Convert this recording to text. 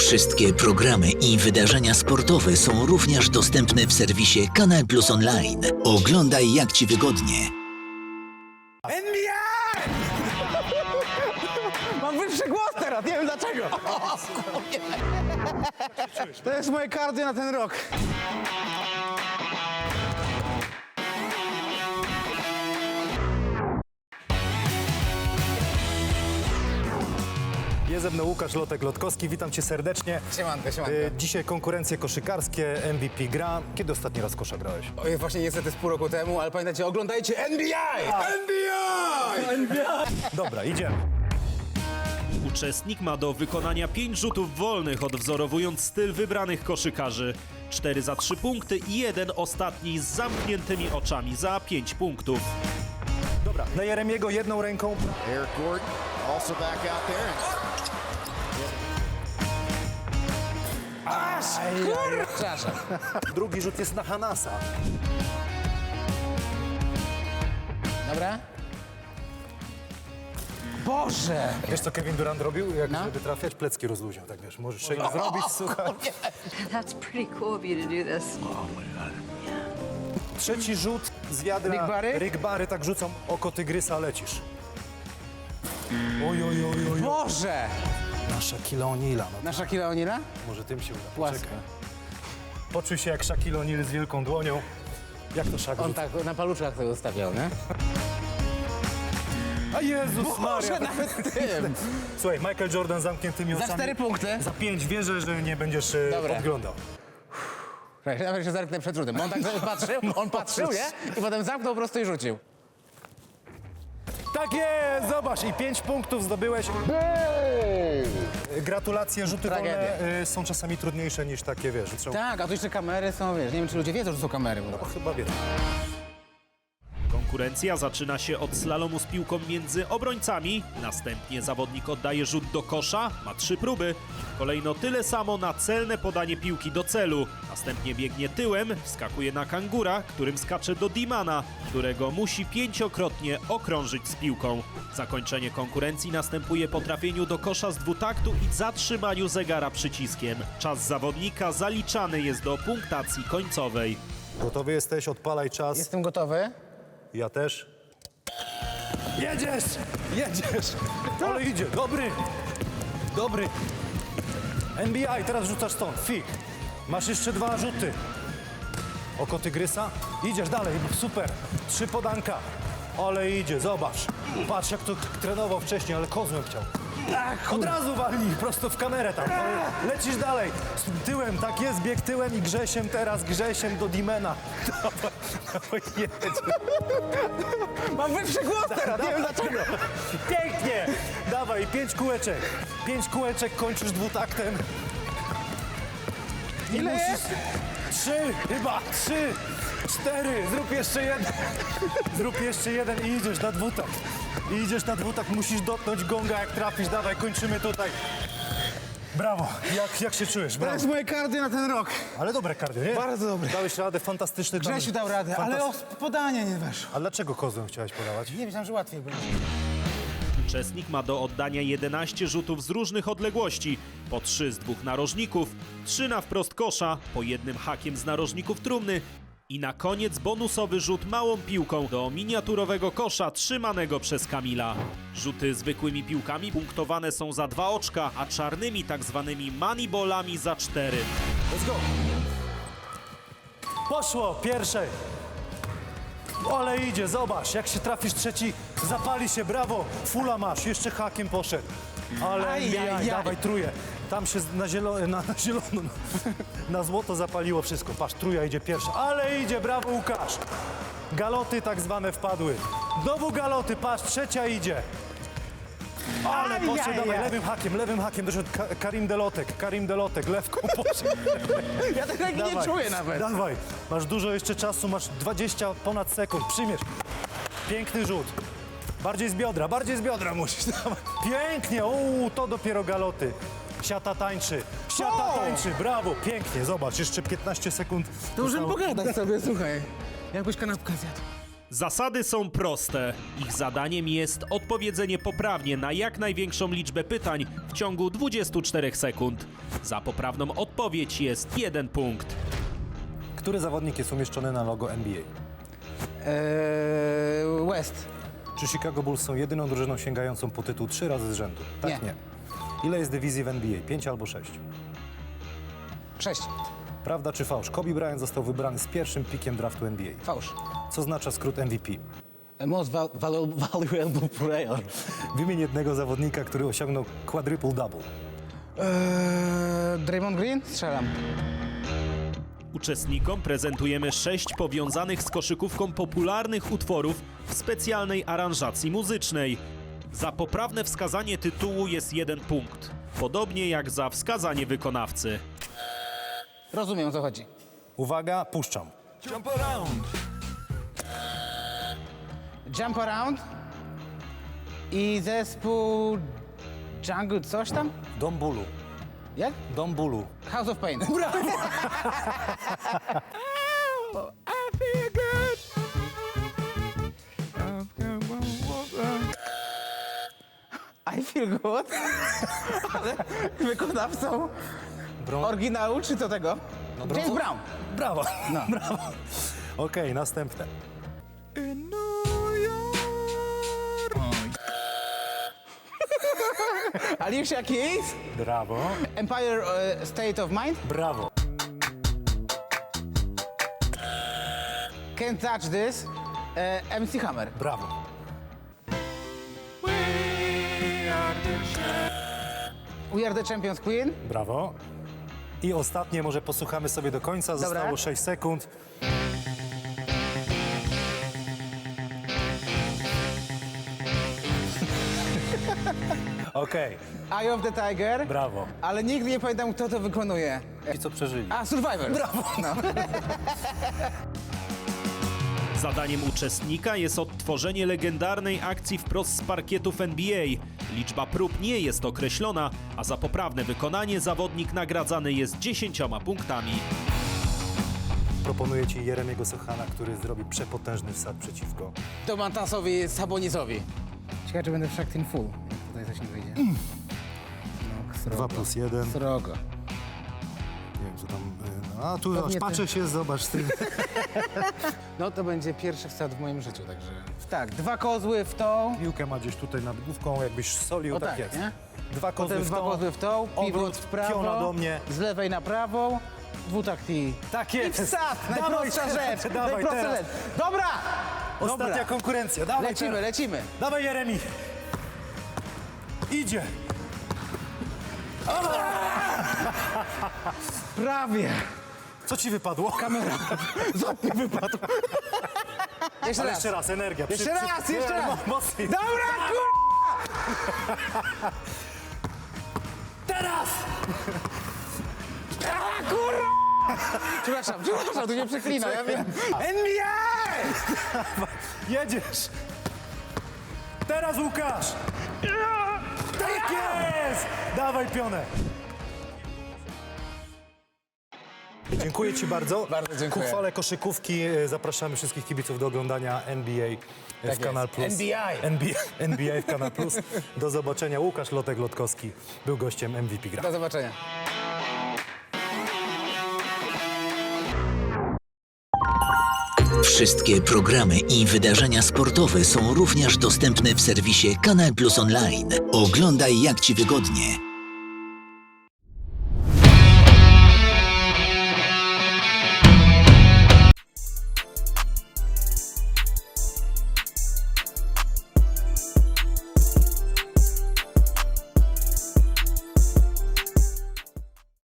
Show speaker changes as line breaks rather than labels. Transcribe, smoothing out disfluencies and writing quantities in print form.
Wszystkie programy i wydarzenia sportowe są również dostępne w serwisie Kanal Plus Online. Oglądaj jak Ci wygodnie.
NBA! Mam wyższy głos teraz, nie wiem dlaczego. To jest moje cardio na ten rok.
Jest ze mną Łukasz Lotek-Lotkowski, witam cię serdecznie.
Siemanko, siemanko.
Dzisiaj konkurencje koszykarskie, MVP gra. Kiedy ostatni raz kosza grałeś?
Oj, właśnie niestety z pół roku temu, ale pamiętajcie, oglądajcie NBA! NBA!
Dobra, idziemy.
Uczestnik ma do wykonania 5 rzutów wolnych, odwzorowując styl wybranych koszykarzy. 4 za 3 punkty i jeden ostatni z zamkniętymi oczami za 5 punktów.
Dobra, na Jeremiego jedną ręką.
Eric Gordon also back out there.
Przepraszam.
Drugi rzut jest na Hanasa.
Dobra? Boże!
Wiesz co Kevin Durant robił? Jak
No.
żeby trafiać, plecki rozluźniał, tak wiesz. Możesz sobie zrobić, słuchaj.
That's pretty cool of you to do this.
Trzeci rzut z wiadra.
Rick Barry?
Rick Barry, tak rzucam, oko tygrysa, lecisz. Oj, oj, oj, oj.
Boże!
Na Shaquille O'Neala, no
Nasza Shaquille O'Neala?
może tym się uda.
Płasko.
Poczekaj. Poczuj się jak Shaquille O'Neal z wielką dłonią. Jak to Shaq
On
rzuca?
tak na paluczkach tego ustawiał, nie?
A Jezus Maria!
Boże, nawet tym!
Słuchaj, Michael Jordan z zamkniętymi
Za
oczami.
4 punkty.
Za 5 wierzę, że nie będziesz
Dobra.
podglądał.
Nawet się zerknę przed rzutem. Bo on tak patrzył, on patrzył, nie? I potem zamknął po prostu i rzucił.
Tak jest! Zobacz, i 5 punktów zdobyłeś. Gratulacje, rzuty
Tragedia.
wolne są czasami trudniejsze niż takie, wiesz, że trzeba...
Tak, a tu jeszcze kamery są, wiesz, nie wiem czy ludzie wiedzą, że są kamery.
No, chyba wiedzą.
Konkurencja zaczyna się od slalomu z piłką między obrońcami. Następnie zawodnik oddaje rzut do kosza, ma 3 próby. Kolejno tyle samo na celne podanie piłki do celu. Następnie biegnie tyłem, wskakuje na kangura, którym skacze do Dimana, którego musi 5-krotnie okrążyć z piłką. Zakończenie konkurencji następuje po trafieniu do kosza z dwutaktu i zatrzymaniu zegara przyciskiem. Czas zawodnika zaliczany jest do punktacji końcowej.
Gotowy jesteś? Odpalaj czas.
Jestem gotowy.
Ja też. Jedziesz! Jedziesz! Ale idzie, dobry! Dobry! NBA, teraz rzucasz stąd, fik. Masz jeszcze 2 rzuty. Oko tygrysa. Idziesz dalej, super. 3 podanka. Ale idzie, zobacz. Patrz jak to trenował wcześniej, ale kozłem chciał. Od razu walnij, prosto w kamerę tam. Lecisz dalej. Z tyłem, tak jest, bieg tyłem i Grzesiem teraz, Grzesiem do Dimena. Dawaj, jedź.
Mam wyższy głos teraz, nie wiem dlaczego.
Pięknie! Dawaj, 5 kółeczek. 5 kółeczek, kończysz dwutaktem. I
Ile jest?
3, chyba 3, 4, zrób jeszcze jeden. Zrób jeszcze jeden i idziesz na dwutakt. I idziesz na dwutakt, musisz dotknąć gonga jak trafisz. Dawaj, kończymy tutaj. Brawo, jak się czujesz?
To
Brawo.
jest moje cardio na ten rok.
Ale dobre kardio, nie?
Bardzo dobre.
Dałeś radę, fantastyczny tam.
Grzesiu dał radę, ale o podanie nie weszło.
A dlaczego kozłem chciałeś podawać?
Nie myślałem, że łatwiej będzie.
Uczestnik ma do oddania 11 rzutów z różnych odległości, po 3 z 2 narożników, 3 na wprost kosza, po jednym hakiem z narożników trumny i na koniec bonusowy rzut małą piłką do miniaturowego kosza trzymanego przez Kamila. Rzuty zwykłymi piłkami punktowane są za 2 oczka, a czarnymi tak zwanymi moneyballami za 4.
Let's go! Poszło, pierwsze. Ale idzie, zobacz, jak się trafisz trzeci, zapali się, brawo, fula masz, jeszcze hakiem poszedł. Ale
Aj.
dawaj, truje. Tam się na zielono, na złoto zapaliło wszystko. Patrz, truja idzie pierwsza, ale idzie, brawo Łukasz. Galoty tak zwane wpadły. Znowu galoty, patrz, trzecia idzie. Ale poszedł, dawaj, lewym hakiem, doszedł Karim Delotek, lewką poszedł.
Ja tego nie czuję nawet.
Dawaj, masz dużo jeszcze czasu, masz 20 ponad sekund, przyjmiesz. Piękny rzut. Bardziej z biodra musisz. Dawaj. Pięknie, to dopiero galoty. Siata tańczy, brawo, pięknie, zobacz, jeszcze 15 sekund.
To możemy
zostało.
pogadać sobie, słuchaj. Jakbyś kanapkę zjadł.
Zasady są proste. Ich zadaniem jest odpowiedzenie poprawnie na jak największą liczbę pytań w ciągu 24 sekund. Za poprawną odpowiedź jest 1 punkt.
Który zawodnik jest umieszczony na logo NBA?
West.
Czy Chicago Bulls są jedyną drużyną sięgającą po tytuł 3 razy z rzędu? Tak,
Nie.
nie. Ile jest dywizji w NBA? 5 albo 6?
6.
Prawda czy fałsz? Kobe Bryant został wybrany z pierwszym pikiem draftu NBA.
Fałsz.
Co oznacza skrót MVP?
Most valuable player.
Wymień jednego zawodnika, który osiągnął quadruple-double.
Draymond Green? Strzelam.
Uczestnikom prezentujemy 6 powiązanych z koszykówką popularnych utworów w specjalnej aranżacji muzycznej. Za poprawne wskazanie tytułu jest 1 punkt, podobnie jak za wskazanie wykonawcy.
Rozumiem, o co chodzi.
Uwaga, puszczam.
Jump Around i zespół Jungle coś tam?
Dom bólu.
Jak?
Dom bólu.
House of Pain. I feel good. Ale wykonawcą oryginału czy co tego? James Brown.
Brawo, brawo. Okej, następne.
Alicia Keys.
Brawo,
Empire State of Mind.
brawo.
Can't Touch This. MC Hammer.
Brawo.
We Are The Champions Queen.
Brawo. I ostatnie, może posłuchamy sobie do końca.
Dobra.
Zostało 6 sekund. Okej,
Eye of the Tiger.
brawo.
Ale nigdy nie pamiętam, kto to wykonuje.
I co przeżyli?
A, Survivor. Brawo. No.
Zadaniem uczestnika jest odtworzenie legendarnej akcji wprost z parkietów NBA. Liczba prób nie jest określona, a za poprawne wykonanie zawodnik nagradzany jest 10 punktami.
Proponuję ci Jeremiego Sochana, który zrobi przepotężny wsad przeciwko.
Domantasowi Sabonisowi. Ciekawe, czy będę w Shaktin Full. Jak tutaj coś nie wyjdzie. No, srogo.
2+1.
Srogo.
Nie wiem, co tam... No, a tu
Pewnie
patrzę się, zobacz z tym.
No to będzie pierwszy wsad w moim życiu, także... Tak, 2 kozły w tą.
Piłkę ma gdzieś tutaj nad główką, jakbyś solił,
O
tak
tak,
jest.
nie?
2 kozły
Potem
w
2
tą,
kozły w tą,
obrót,
pivot w prawo,
piona do mnie.
z lewej na prawą, dwutakt i...
Tak
I
jest.
wsad! Najprostsza rzecz!
Dawaj
Najprostsza
teraz.
rzecz! Dobra!
Ostatnia
Dobra.
konkurencja, dawaj
Lecimy,
teraz.
lecimy.
Dawaj Jeremi. Idzie.
Prawie.
Co ci wypadło?
Kamera. Złap mi wypadł. Jeszcze
Ale
raz.
jeszcze raz, energia.
Jeszcze raz, jeszcze raz.
Mocniej.
Dobra, kur...
Teraz!
A, kurwa! Przepraszam, tu nie przeklina, ja wiem. NBA!
Jedziesz. Teraz Łukasz. Tak jest! Dawaj pionę. Dziękuję ci bardzo.
Bardzo dziękuję.
Ku chwale koszykówki zapraszamy wszystkich kibiców do oglądania NBA
Tak
w Kanal
jest.
Plus. NBA w Kanal Plus. Do zobaczenia. Łukasz Lotek-Lotkowski był gościem MVP Gra.
Do zobaczenia.
Wszystkie programy i wydarzenia sportowe są również dostępne w serwisie Kanal Plus Online. Oglądaj jak Ci wygodnie.